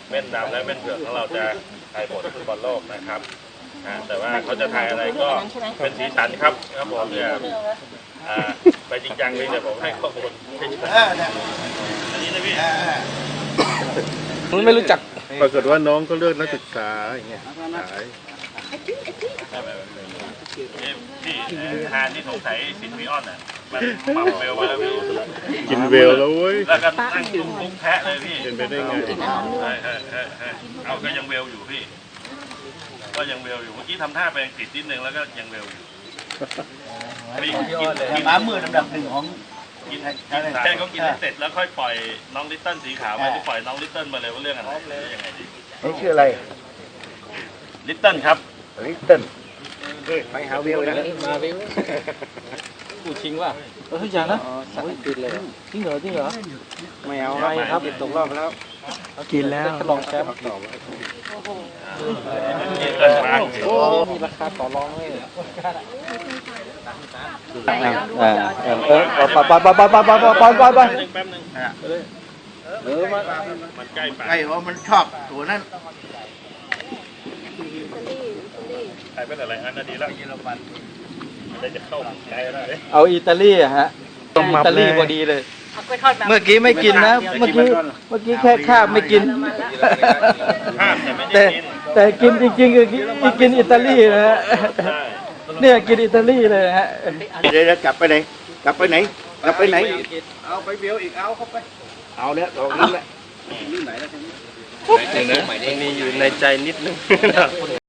เม่นดำและเม่นเผือกของเราจะทายผลฟุตบอลโลกนะครับแต่ว่าเขาจะทายอะไรก็เป็นสีสันครับผมเนี่ยไปจริงจังเลยเดี๋ยวผมให้ข้อมูลอันนี้นะพี่ไม่รู้จักปรากฏว่าน้องก็เลือกนักศึกษาอย่างเงี้ยพี่ทานที่สงสัยสินวิออนอ่ะมันปรับเวลมาแล้วพี่กินเวลแล้วเว้ยแล้วก็นั่งจุ่มปุ๊บแพะเลยพี่เป็นไปได้ไงเอาก็ยังเวลอยู่พี่ก็ยังเวลอยู่เมื่อกี้ทำท่าไปติดนิดนึงแล้วก็ยังเวลอยู่กินม้ามือลำดับหนึ่งของกินแค่เขากินเสร็จแล้วค่อยปล่อยน้องลิตเติ้ลสีขาวมาที่ปล่อยน้องลิตเติ้ลมาเลยว่าเรื่องอะไรยังไงดีนี่ชื่ออะไรลิตเติ้ลครับลิตเติ้ลไปหาวิวนะมาวิวกูชิงว่ะทุกอย่างนะกินเลยจริงเหรอไม่เอาไปครับตกรอบแล้วกินแล้วลองแชมป์โอ้มีราคาต่อรองเลยไปมันใกล้ไปมันชอบตัวนั้นใครเป็นอะไรอันนั้นดีแล้วได้จะเข้าใกล้แล้วเอาอิตาลีฮะอิตาลีพอดีเลยเมื่อกี้ไม่กินนะเมื่อกี้แค่ข้าวไม่กินแต่กินจริงๆคือกินอิตาลีนะฮะเนี่ยกินอิตาลีเลยฮะเดี๋ยวกลับไปไหนเอาไปเบลอีกเอาเข้าไปเอาเนี่ยตรงนี้แหละนี่ไหนแล้วทีนี้มันมีอยู่ในใจนิดนึง